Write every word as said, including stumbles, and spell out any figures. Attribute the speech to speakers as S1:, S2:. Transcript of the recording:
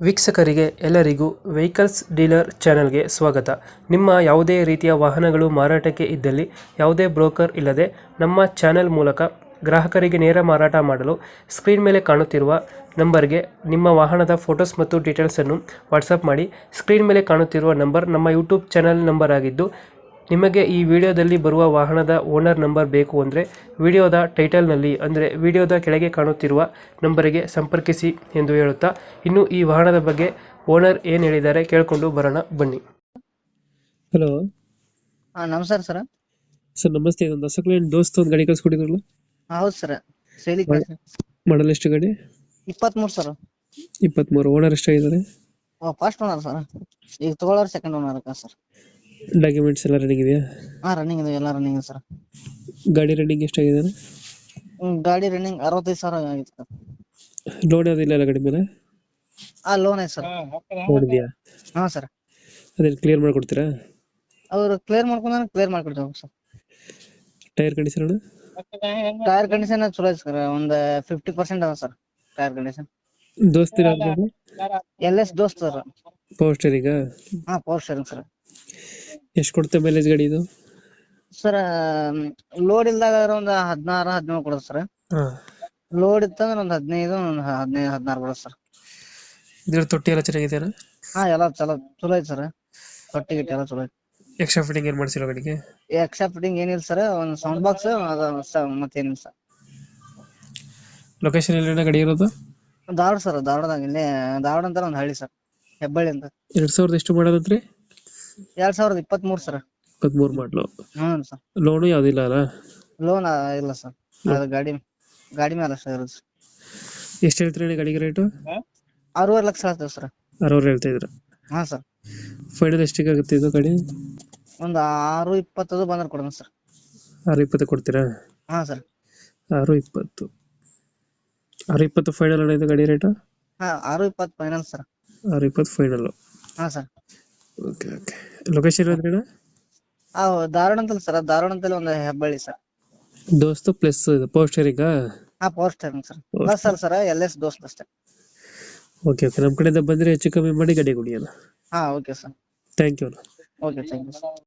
S1: ವೀಕ್ಷಕರಿಗೆ ಎಲ್ಲರಿಗೂ vehicles dealer ಚಾನೆಲ್ಗೆ ಸ್ವಾಗತ. ನಿಮ್ಮ ಯಾವುದೇ ರೀತಿಯ ವಾಹನಗಳು ಮಾರಾಟಕ್ಕೆ ಇದ್ದಲ್ಲಿ ಯಾವುದೇ ಬ್ರೋಕರ್ ಇಲ್ಲದೆ ನಮ್ಮ ಚಾನೆಲ್ ಮೂಲಕ ಗ್ರಾಹಕರಿಗೆ ನೇರ ಮಾರಾಟ ಮಾಡಲು ಸ್ಕ್ರೀನ್ ಮೇಲೆ ಕಾಣುತ್ತಿರುವ ನಂಬರ್ಗೆ ನಿಮ್ಮ ವಾಹನದ ಫೋಟೋಸ್ ಮತ್ತು ಡೀಟೇಲ್ಸನ್ನು ವಾಟ್ಸಪ್ ಮಾಡಿ. ಸ್ಕ್ರೀನ್ ಮೇಲೆ ಕಾಣುತ್ತಿರುವ ನಂಬರ್ ನಮ್ಮ ಯೂಟ್ಯೂಬ್ ಚಾನೆಲ್ ನಂಬರ್ ಆಗಿದ್ದು, ನಿಮಗೆ ಈ ವಿಡಿಯೋದಲ್ಲಿ ಬರುವ ವಾಹನದ ಓನರ್ ನಂಬರ್ ಬೇಕು ಅಂದರೆ ವಿಡಿಯೋದ ಟೈಟಲ್ನಲ್ಲಿ ಅಂದರೆ ವಿಡಿಯೋದ ಕೆಳಗೆ ಕಾಣುತ್ತಿರುವ ನಂಬರಿಗೆ ಸಂಪರ್ಕಿಸಿ ಎಂದು ಹೇಳುತ್ತಾ, ಇನ್ನು ಈ ವಾಹನದ ಬಗ್ಗೆ ಓನರ್ ಏನು ಹೇಳಿದ್ದಾರೆ ಕೇಳಿಕೊಂಡು ಬರೋಣ ಬನ್ನಿ. ಹಲೋ
S2: ಹಾ ನಮಸ್ಕಾರ ಸರ್.
S1: ಸರ್ ನಮಸ್ತೆ. ಇದೊಂದು ಹೊಸ ದೋಸ್ತ ಒಂದು ಗಾಡಿ ಕಳ್ಸ್ಕೊಟ್ಟಿದ್ರಲ್ಲ,
S2: ಹೌದು ಸರ್. ಸೇಲಿ
S1: ಮಾಡಲ್ ಎಷ್ಟು ಗಾಡಿ?
S2: ಇಪ್ಪತ್ಮೂರು ಸರ್.
S1: ಇಪ್ಪತ್ಮೂರು. ಓನರ್ ಎಷ್ಟಾಗಿದ್ದಾರೆ?
S2: First owner sir. ಈಗ ತಗೊಳ್ಳೋರು ಸೆಕೆಂಡ್ ಓನರ್ ಸರ್.
S1: ಡಾಕ್ಯುಮೆಂಟ್ಸ್ ಎಲ್ಲ ರನ್ನಿಂಗ್ ಇದೆಯಾ?
S2: ಹಾ ರನ್ನಿಂಗ್ ಇದೆ, ಎಲ್ಲ ರನ್ನಿಂಗ್ ಇದೆ ಸರ್.
S1: ಗಾಡಿ ರನ್ನಿಂಗ್ ಎಷ್ಟಾಗಿದೆ?
S2: ಗಾಡಿ ರನ್ನಿಂಗ್ ಅರವತ್ತೈದು ಸಾವಿರ ಆಗಿತ್ತು ಸರ್.
S1: ಲೋನ್ ಯಾವುದಿಲ್ಲ ಅಲ್ಲ ಗಾಡಿ ಮೇಲೆ?
S2: ಹಾ ಲೋನ್ ಐತೆ ಸರ್.
S1: ಲೋನ್ ಇದೆಯಾ?
S2: ಹಾ ಸರ್.
S1: ಅದೇನು ಕ್ಲಿಯರ್ ಮಾಡ್ಕೊಡ್ತೀರಾ?
S2: ಅವ್ರು ಕ್ಲಿಯರ್ ಮಾಡ್ಕೊಂಡ್ರೆ ಕ್ಲಿಯರ್ ಮಾಡ್ಕೊಡ್ತೇವೆ sir.
S1: Tyre condition?
S2: Tyre condition ಚಲೋ ಐತೆ ಸರ್. ಒಂದು ಫಿಫ್ಟಿ ಪರ್ಸೆಂಟ್ ಅದ ಸರ್ ಟೈರ್ ಕಂಡೀಷನ್.
S1: ದೋಸ್ತಿರ
S2: L S Dost sir.
S1: Power steering?
S2: ಹಾ ಪವರ್ ಸ್ಟೇರಿಂಗ್ ಸರ್.
S1: ಎಷ್ಟು ಕೊಡುತ್ತೆ ಮೈಲೇಜ್ ಗಾಡಿ ಇದು?
S2: ಸರ್ ಲೋಡ್ ಇಲ್ದಾಗ ಒಂದು ಹದಿನಾರು ಹದಿನೇಳು ಕೊಡುತ್ತೆ ಸರ್. ಲೋಡ್ ಇತ್ತಂದ್ರೆ ಒಂದು ಹದಿನೈದು ಒಂದು ಹದಿನೈದು ಹದಿನಾರು ಕೊಡುತ್ತೆ ಸರ್.
S1: ಇದ್ರ ತೊಟ್ಟಿ ಎಲ್ಲ ಚೆನ್ನಾಗಿದೆಯಾ?
S2: ಹಾ ಎಲ್ಲ ಚಲೋ ಚಲೋ ಐತೆ ಸರ್. ತೊಟ್ಟಿ ಗಿಟ್ಟಿ ಎಲ್ಲ ಚಲೋ ಐತೆ.
S1: ಎಕ್ಸ್ಟ್ರಾ ಫಿಟ್ಟಿಂಗ್ ಏನು ಮಾಡಿಸಿಲ್ಲ ಗಾಡಿಗೆ?
S2: ಎಕ್ಸ್ಟ್ರಾ ಫಿಟ್ಟಿಂಗ್ ಏನಿಲ್ಲ ಸರ್. ಒಂದು ಸೌಂಡ್ ಬಾಕ್ಸ್ ಮತ್ತೇನಿಲ್ಲ ಸರ್.
S1: ಲೊಕೇಶನ್ ಎಲ್ಲಿನ ಗಾಡಿ ಇರೋದು?
S2: ಧಾರವಾಡ ಸರ್. ಧಾರವಾಡದಾಗ ಇಲ್ಲೇ ಧಾರವಾಡ ಅಂತ ಒಂದು ಹಳ್ಳಿ ಸರ್, ಹೆಬ್ಬಳ್ಳಿ ಅಂತ.
S1: ಎರಡ್ ಸಾವಿರದ ಎಷ್ಟು ಮಾಡೋದಂತ್ರಿ?
S2: ಎರಡ್ ಸಾವಿರದ ಇಪ್ಪತ್ತ್ ಮೂರು ಸರ್.
S1: ಇಪ್ಪತ್ಮೂರು ಮಾಡ್ಲು.
S2: ಹ್ಮ್ ಸರ್.
S1: ಲೋನು ಯಾವ್ದಿಲ್ಲ ಅಲ್ಲ?
S2: ಲೋನ್ ಇಲ್ಲ ಸರ್. ಅದು ಗಾಡಿ ಗಾಡಿ ಮೇಲೆ ಅಷ್ಟೇ ಇರೋದು.
S1: ಎಷ್ಟು ಹೇಳ್ತೀರಿ ಗಾಡಿಗೆ ರೇಟು?
S2: ಆರೂವರೆ ಲಕ್ಷ ಆಗ್ತದೆ ಸರ್.
S1: ಅರವತ್ತು ಹೇಳ್ತಾ ಇದ್ರ?
S2: ಹಾ ಸರ್.
S1: ಫೈನಲ್ ಎಷ್ಟಿಗೆ ಆಗುತ್ತೆ ಇದು ಗಾಡಿ?
S2: ಒಂದು ಆರು ಇಪ್ಪತ್ತದು ಬಂದ್ರೆ ಕೊಡೋಣ ಸರ್.
S1: ಆರು ಇಪ್ಪತ್ತು ಕೊಡ್ತೀರಾ?
S2: ಹಾ ಸರ್.
S1: ಆರು ಇಪ್ಪತ್ತು ಆರು ಇಪ್ಪತ್ತು ಫೈನಲ್ ಇದು ಗಾಡಿ ರೇಟು?
S2: ಹಾ ಆರು ಇಪ್ಪತ್ತು ಫೈನಲ್ ಸರ್.
S1: ಆರು ಇಪ್ಪತ್ತು ಫೈನಲ್.
S2: ಹಾ ಸರ್.
S1: Okay okay. ಲೊಕೇಶನ್ ಅಂದ್ರೆ
S2: ಆ ಧಾರವಾಡ ಅಂತಲ್ಲ ಸರ್. ಧಾರವಾಡ ಅಂತಲ್ಲಿ ಒಂದು ಹೆಬ್ಬಳ್ಳಿ ಸರ್.
S1: ದೋಸ್ತು ಪ್ಲಸ್ ಇದು ಪವರ್ ಸ್ಟೇರಿಂಗ್?
S2: ಹಾ ಪವರ್ ಸ್ಟೇರಿಂಗ್ ಸರ್. ಪ್ಲಸ್ ಅಲ್ಲ ಸರ್, ಎಲ್ ಎಸ್ ದೋಸ್ತ್ ಅಷ್ಟೇ.
S1: Okay okay. ನಮ್ಮ ಕಡೆಯಿಂದ ಬಂದರೆ ಹೆಚ್ಚು ಕಮ್ಮಿ ಮಾಡಿ ಗಾಡಿ ಕೊಡಿ ಅಲ್ಲ.
S2: ಹಾ okay sir.
S1: Thank you.
S2: Okay thank you sir.